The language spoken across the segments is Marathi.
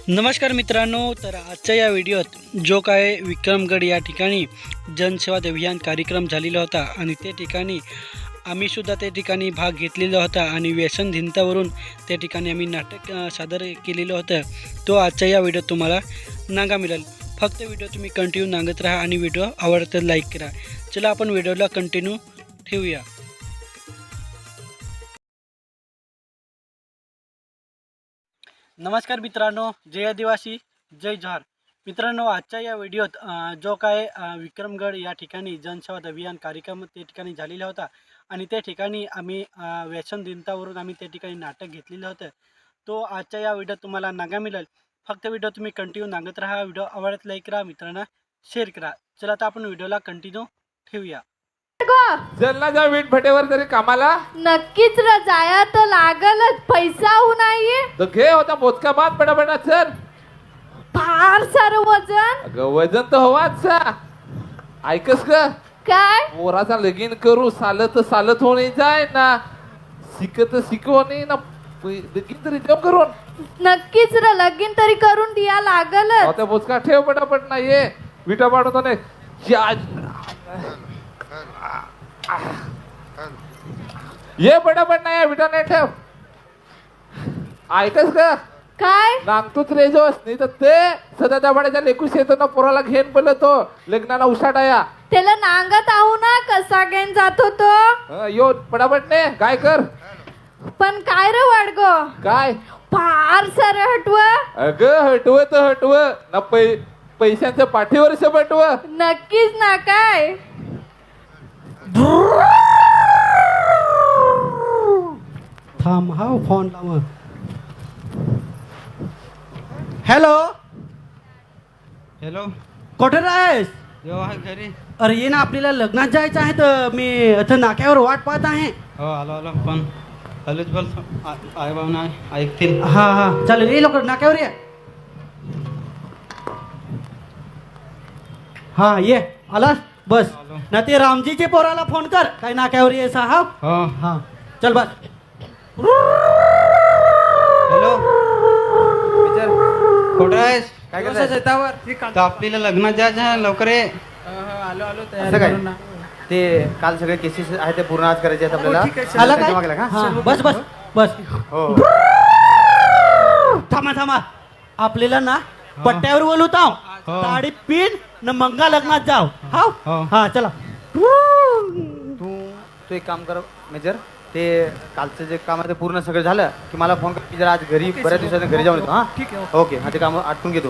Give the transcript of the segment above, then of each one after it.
नमस्कार मित्रांनो, तर आजच्या या व्हिडिओत जो काय विक्रमगड या ठिकाणी जनसेवा अभियान कार्यक्रम झालेला होता आणि त्या ठिकाणी आम्हीसुद्धा त्या ठिकाणी भाग घेतलेला होता आणि व्यसनहीनतावरून त्या ठिकाणी आम्ही नाटक सादर केलेलं होतं. तो आजच्या या व्हिडिओत तुम्हाला नागा मिळेल. फक्त व्हिडिओ तुम्ही कंटिन्यू नागत राहा आणि व्हिडिओ आवडत तर लाईक करा. चला आपण व्हिडिओला कंटिन्यू ठेवूया. नमस्कार मित्रांनो, जय आदिवासी जय जोहार. मित्रांनो, आजच्या या व्हिडिओत जो काय विक्रमगड या ठिकाणी जनसेवा अभियान कार्यक्रम त्या ठिकाणी झालेला होता आणि त्या ठिकाणी आम्ही व्यसनहीनतावरून आम्ही त्या ठिकाणी नाटक घेतलेलं होतं. तो आजच्या या व्हिडिओत तुम्हाला नागा मिळेल. फक्त व्हिडिओ तुम्ही कंटिन्यू नागत राहा. व्हिडिओ आवडत लाईक करा, मित्रांना शेअर करा. चला आता आपण व्हिडिओला कंटिन्यू ठेवूया. चलना जा वीट भटेवर तरी कामाला नक्कीच र जाया तर लागलच. पैसा हो नाहीये तर घे होता मोजका बाद पटापटा चल. फार सारं वजन. अगं वजन तर हवाच सा. ऐकस ग काय पोराचा लगीन करू सालत हो नाही जाय ना शिकव नाही ना लगीन तरी देव करून नक्कीच र लगीन तरी करून द्या लागलच. होता मोजका ठेव पटापट ना ये विटा पाडतो नाही ये पटापट नाही विटा नाही ठेव. ऐकस का काय नांगतोच रे जोस नाही तर ते सदा दाबाड्याच्या लेकूस येतो ना पोराला घेऊन पडलं तो लग्नाला उसाटाया त्याला नांगत आहो ना कसा घेऊन जातो तो. यो पटापट ने काय कर पण काय र वाडग काय फार सारं हटव. अगं हटव ना पैशांच्या पाठीवर पटव. नक्कीच ना. काय थांब हा फोन लाव. हॅलो हॅलो, कुठे आहेस? यो आहे घरी. अरे ये ना, आपल्याला लग्नात जायचं आहे तर मी इथं नाक्यावर वाट पाहत आहे. हो आलो पण आलोच बोलतो. आई बाबा ऐकतील. हा चालेल, ये लवकर नाक्यावर ये. हा ये आलास बस. आलो. ना ते रामजीचे पोराला फोन कर, काय नाक्यावर ये साहेब. हो हा चल बस. हॅलो विचार कुठं आहेस? काय करताय? शेतावर तर आपल्याला लग्नात जायचं आहे, लवकर ये. आलो असं काय ते काल सगळे केसेस आहेत ते पूर्ण आज करायचे आहेत आपल्याला. आला काय? जमा केला का? हा, बस बस बस. हो थांबा आपल्याला ना पट्ट्यावर बोलवताव. हो. साडी पिन न मंगा लग्नात जाव. हो. हा चला. तू एक काम कर मेजर, ते कालचं जे काम आहे ते पूर्ण सगळं झालं की मला फोन कर. की जरा आज घरी बऱ्याच दिवसांनी घरी जाऊन येतो. हा ठीक आहे. ओके. हा ते काम आटपून घेतो.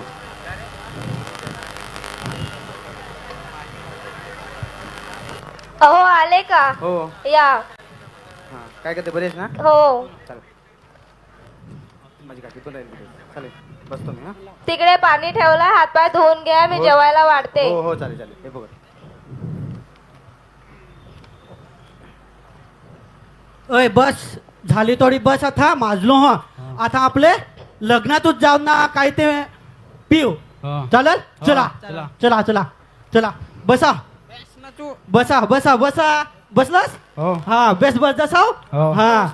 अहो आले का? हो या. हा काय करते बरेच ना? हो चालेल माझी काकी तो राहील चालेल बसतो मी. हा तिकडे पाणी ठेवलं, हातपाय धुवून घ्या. मी हो. जेवायला वाढते. हो चालेल हे बघ. अय बस झाली थोडी बस. आता माजलो हा. आता आपले लग्नातच जाऊ ना, काय ते पिऊ हो. चालेल. चला चला. चला चला चला. बसा बसा बसा बसा. बसलास? हो हा बस जसाव. हो. हा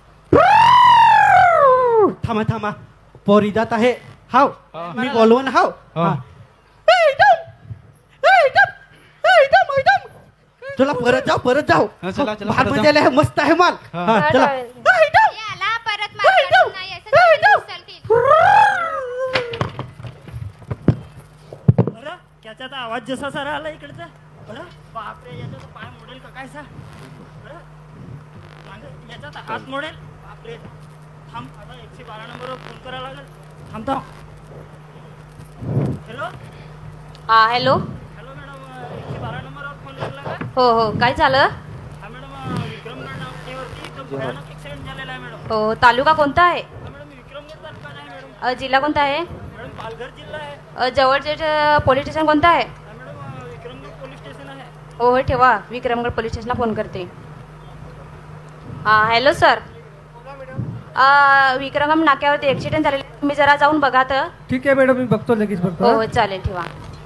थांबा पोरी जात आहे. हाव हो. मी बोलवून हाव. हो. हा. चला परत जाऊ. हा, चला, चला, भात परत जाऊ. मजाला आहे, मस्त आहे माल. हा. हा, चला. याला परत मारणार नाही असं तुम्ही विसरतील. बरं त्याचा तर आवाज जसा सारा आला इकडचा. बरं बापरे, याचा तर पाय मोडेल का काय सा. बरं मागं याचा तर हात मोडेल. बापरे थांब, आता 112 नंबरवर फोन करायला लागेल. थांबतो. हॅलो हा हॅलो. हॅलो मॅडम, 112 नंबरवर फोन लागला का? हो काय झालं? हा मॅडम, विक्रमगड नाक्यावरती एकदम भयानक ॲक्सिडेंट झालेला आहे मॅडम. हो तालुका कोणता आहे? हा मॅडम, विक्रमगड तालुका आहे मॅडम. जिल्हा कोणता आहे? मॅडम पालघर जिल्हा आहे. जवळचे पोलीस स्टेशन कोणतं आहे? हा मॅडम, विक्रमगड पोलीस स्टेशन आहे. हो ठेवा, विक्रमगड पोलीस स्टेशनला फोन करते. हां हॅलो सर. विक्रमगड नाक्यावरती ॲक्सिडेंट झालेला, तुम्ही जरा जाऊन बघा तर. ठीक आहे मॅडम, मी बघतो लगेच बघतो. हो चालेल ठेवा.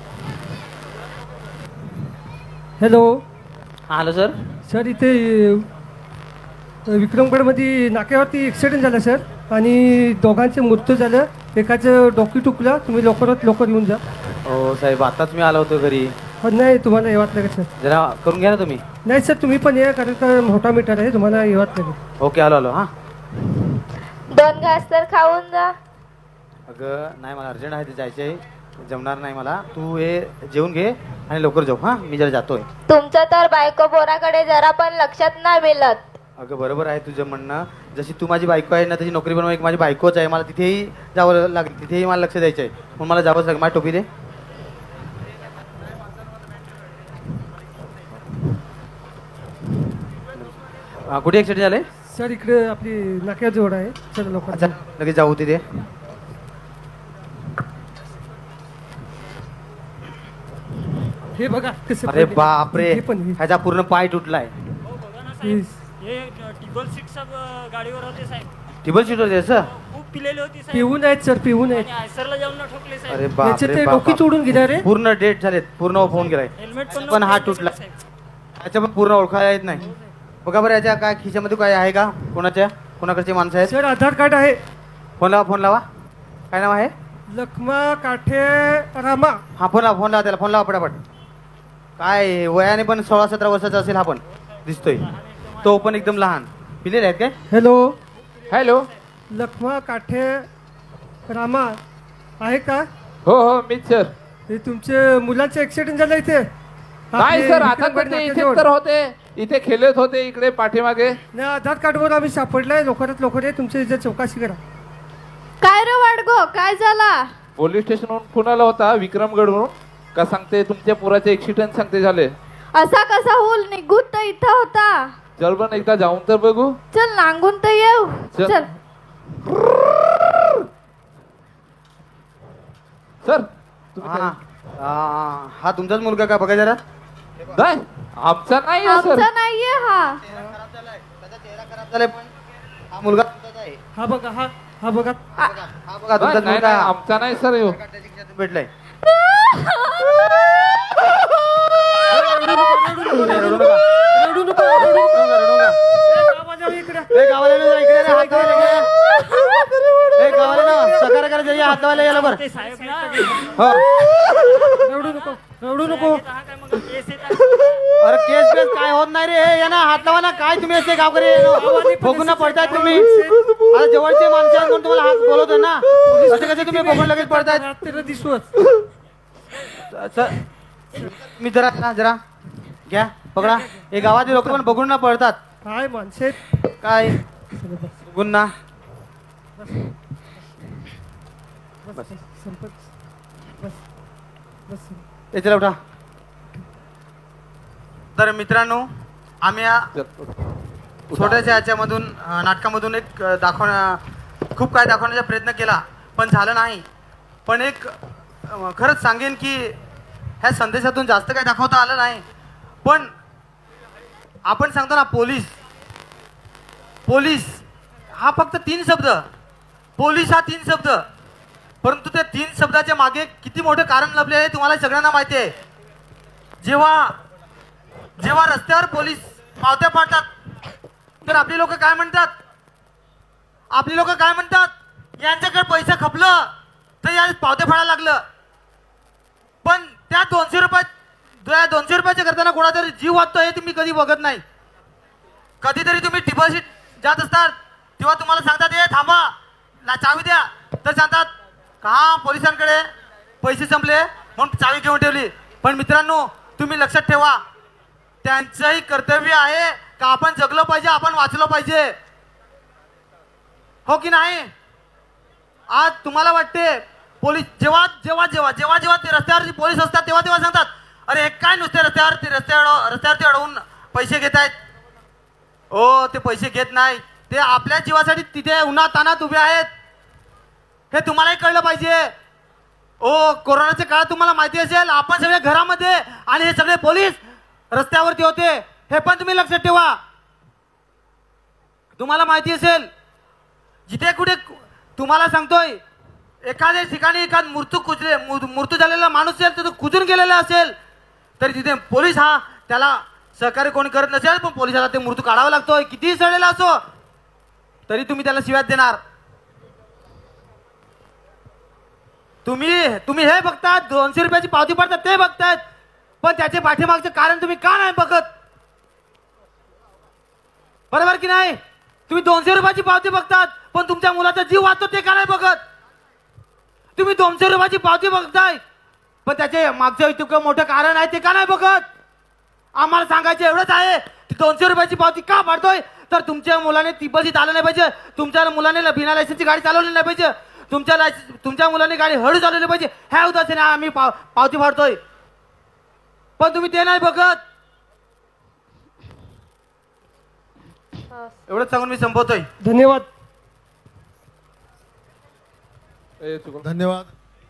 हॅलो हॅलो सर, इथे विक्रमगडमध्ये नाक्यावरती ॲक्सिडेंट झाला सर आणि दोघांचे मृत्यू झालं. एकाचं डोकी टुकलं, तुम्ही लवकरात लवकर येऊन जा. हो साहेब, आताच मी आलो होतो घरी. नाही तुम्हाला येवात लागेल सर. जरा करून घ्या ना तुम्ही. नाही सर तुम्ही पण या, कारण का मोठा मीटर आहे, तुम्हाला येवात लागेल. ओके, आलो आलो. हां 2 घास तर खाऊन जा. अगं नाही, मला अर्जंट आहे, ते जायचं आहे, जमणार नाही मला. तू हे जेवून घे आणि लवकर जाऊ. हां मी जरा जातोय. तुमचं तर बायको पोराकडे जरा पण लक्षात नाही मिळत. अगं बरोबर आहे तुझं म्हणणं. जशी तू माझी बायको आहे ना, तशी नोकरी पण एक माझी बायकोच आहे. मला तिथेही जावं लागेल, तिथेही मला लक्ष द्यायचं आहे, म्हणून मला जावंच लागेल. माझी टोपी दे. कुठे ॲक्सिडेंट झाले? सर इकडे आपली नाक्याजवळ आहे, चला लवकर. अच्छा, लगेच जाऊ तिथे. हे बघा कसं अरे पडले. बापरे, हे पण हे. ह्याचा पूर्ण पाय तुटलाय. हो बघा ना साहेब, Yes. हे टिबल सीट सब गाडीवर होते साहेब. टेबल सीट होते असं? खूप पिलेले होते साहेब. पिऊन आहेत सर, पिऊन आहेत. आणि आयसरला जाऊन न ठोकले अरे साहेब. याचे बापरे ते बाप, डोकी बाप. तोडून गेला रे. पूर्ण डेट झालेत, पूर्ण फोन गेलाय. हेल्मेट पण हा नव्हतं तुटला. साहेब. याच्या पण पूर्ण ओळखायला येत नाही. बघा बरं, याच्या काय खिशामध्ये काय आहे का? कोणाकडचे माणसं आहेत? सर आधार कार्ड आहे. फोन लावा, फोन लावा. काय नाव आहे? लखमा काठे रामा. हा फोन लावा त्याला, फोन लावा पटापट. काय वयाने पण 16-17 वर्षाचा असेल हा, पण दिसतोय तो पण एकदम लहान. पिलेले आहेत काय? Hello hello. लखमा काठे रामा आहे का? हो हो मीच सर. हे तुमचे मुलांचं ऍक्सिडेंट झालं इथे? नाही सर, आता विक्रमगड तर ते इथेच नाक्याजवळ. तर होते, इथे खेळत होते इकडे पाठीमागे. नाही आधार कार्डवर आम्ही सापडलाय, लवकरात लवकर आहे, तुमच्या इथे चौकशी करा. काय रे वाडगो, काय झाला? पोलीस स्टेशनवरून फोन आला होता विक्रमगडवरून. का सांगते तुमच्या पुराचे ऍक्सिडेंट सांगते झाले. असा कसा होल, निघून तर इथं होता. चल पण एकदा जाऊन तर बघू. चल नांगून तर येऊ. चल. चल. सर हा हा तुमचाच मुलगा का? बघा जरा. नाही आमचा नाही आहे सर. आमचा नाहीये हा. खराब झालाय, पण हा मुलगा तुमचाच आहे. हा बघा, हा बघा. हा बघा तुमचाच नाही मुलगा. नाही, आमचा नाही सर ह्यो. त्याच्या खिशातून भेटलाय. रडू नका, रडू नका. रडू नका. ए, गावाजवळ इकडे. ए, गावाला येऊन जा, इकडे रे, हात लावायला ये. ए, गावाला ना, सकार करा जरी, हात लावायला यायला बरं. ते साहेब ना, हो. रडू नको, रडू नको. हा काय मग केस येतात. अरे केस बेस काय होत नाही रे. हे या ना, हात लावा ना. काय तुम्ही असे गावकरी बघून ना पडताय तुम्ही. आता जवळचे माणसं आहेत म्हणून तुम्हाला हात बोलवतोय ना. असे कसे तुम्ही बघून लगेच पडतायत? रात्री दिसवत. मी जरा घ्या, पकडा. हे गावातील लोक पण बघून ना पडतात. काय माणसं आहेत. काय बघून ना. बस संपत. बस बस. हे चला उठा. तर मित्रांनो, आम्ही या छोट्याशा याच्यामधून नाटकामधून एक खूप काय दाखवण्याचा प्रयत्न केला, पण झालं नाही. पण एक खरंच सांगेन की ह्या संदेशातून जास्त काही दाखवता आलं नाही. पण आपण सांगतो ना, पोलीस हा फक्त 3 शब्द. पोलीस हा 3 शब्द, परंतु त्या 3 शब्दाच्या मागे किती मोठं कारण लपले आहे तुम्हाला सगळ्यांना माहिती आहे. जेव्हा रस्त्यावर पोलीस पावत्या पाडतात, तर आपली लोक काय म्हणतात? यांच्याकडे पैसे खपलं तर या पावत्या फाडायला लागलं. पण त्या 200 रुपयाच्या करताना कोणातरी जीव वाचतो हे तुम्ही कधी बघत नाही. कधीतरी तुम्ही डिपॉझिट जात असतात तेव्हा तुम्हाला सांगतात, हे थांबा, चावी द्या. तर सांगतात का पोलिसांकडे पैसे संपले म्हणून चावी घेऊन ठेवली. पण मित्रांनो, तुम्ही लक्षात ठेवा, त्यांचंही कर्तव्य आहे का आपण जगलो पाहिजे, आपण वाचलो पाहिजे. हो की नाही? आज तुम्हाला वाटते पोलीस जेव्हा ते रस्त्यावर पोलीस असतात तेव्हा सांगतात, अरे हे काय नुसते रस्त्यावरती अडवून पैसे घेत आहेत. ओ, ते पैसे घेत नाही, ते आपल्या जीवासाठी तिथे उन्हात तानात उभे आहेत. हे तुम्हालाही कळलं पाहिजे. ओ, कोरोनाच्या काळात तुम्हाला माहिती असेल, आपण सगळे घरामध्ये आणि हे सगळे पोलीस रस्त्यावरती होते. हे पण तुम्ही लक्षात ठेवा. तुम्हाला माहिती असेल, जिथे कुठे तुम्हाला सांगतोय, एखाद्या ठिकाणी मृत्यू झालेला माणूस असेल, तर तो कुजून गेलेला असेल, तरी तिथे पोलीस हा त्याला सहकार्य कोणी करत नसेल, पण पोलिसाला ते मृत्यू काढावा लागतोय. कितीही सडलेला असो तरी तुम्ही त्याला शिव्यात देणार. तुम्ही हे बघतात 200 रुपयाची पावती पडतात ते बघतायत, पण त्याचे पाठीमागचे कारण तुम्ही का नाही बघत? बरोबर की नाही? तुम्ही 200 रुपयाची पावती बघतात, पण तुमच्या मुलाचा जीव वाचतो ते का नाही बघत? तुम्ही 200 रुपयाची पावती बघताय, पण त्याचे मागचं इतकं मोठं कारण आहे ते का नाही बघत? आम्हाला सांगायचं एवढंच आहे की 200 रुपयाची पावती का पाडतोय, तर तुमच्या मुलाने तिबसीत आलं नाही पाहिजे, तुमच्या मुलाने बिना लायसन्सची गाडी चालवली नाही पाहिजे, तुमच्या मुलाने गाडी हळू चालवली पाहिजे, ह्या उद्देशाने आम्ही पावती फाडतोय, पण तुम्ही ते नाही बघत. एवढंच सांगून मी संपवतोय. धन्यवाद. धन्यवाद.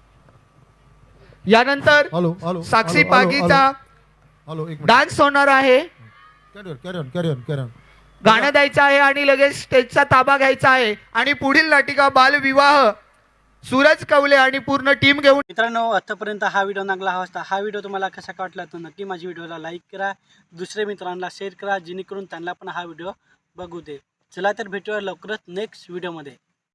यानंतर हॅलो हॅलो साक्षी हॅलो, पागीचा हॅलो एक मिनिट. डान्स होणार आहे. Carry on. गाणं द्यायचं आहे आणि लगेच स्टेजचा ताबा घ्यायचा आहे आणि पुढील नाटिका बालविवाह सूरज कवले आणि पूर्ण टीम घेऊन. मित्रांनो, आतापर्यंत हा व्हिडिओ नागला हवा असता. हा व्हिडिओ तुम्हाला कसा वाटला तर नक्की माझ्या व्हिडिओला लाईक करा, दुसऱ्या मित्रांना शेअर करा, जेणेकरून त्यांना पण हा व्हिडिओ बघू दे. चला तर भेटूया लवकरच नेक्स्ट व्हिडिओमध्ये.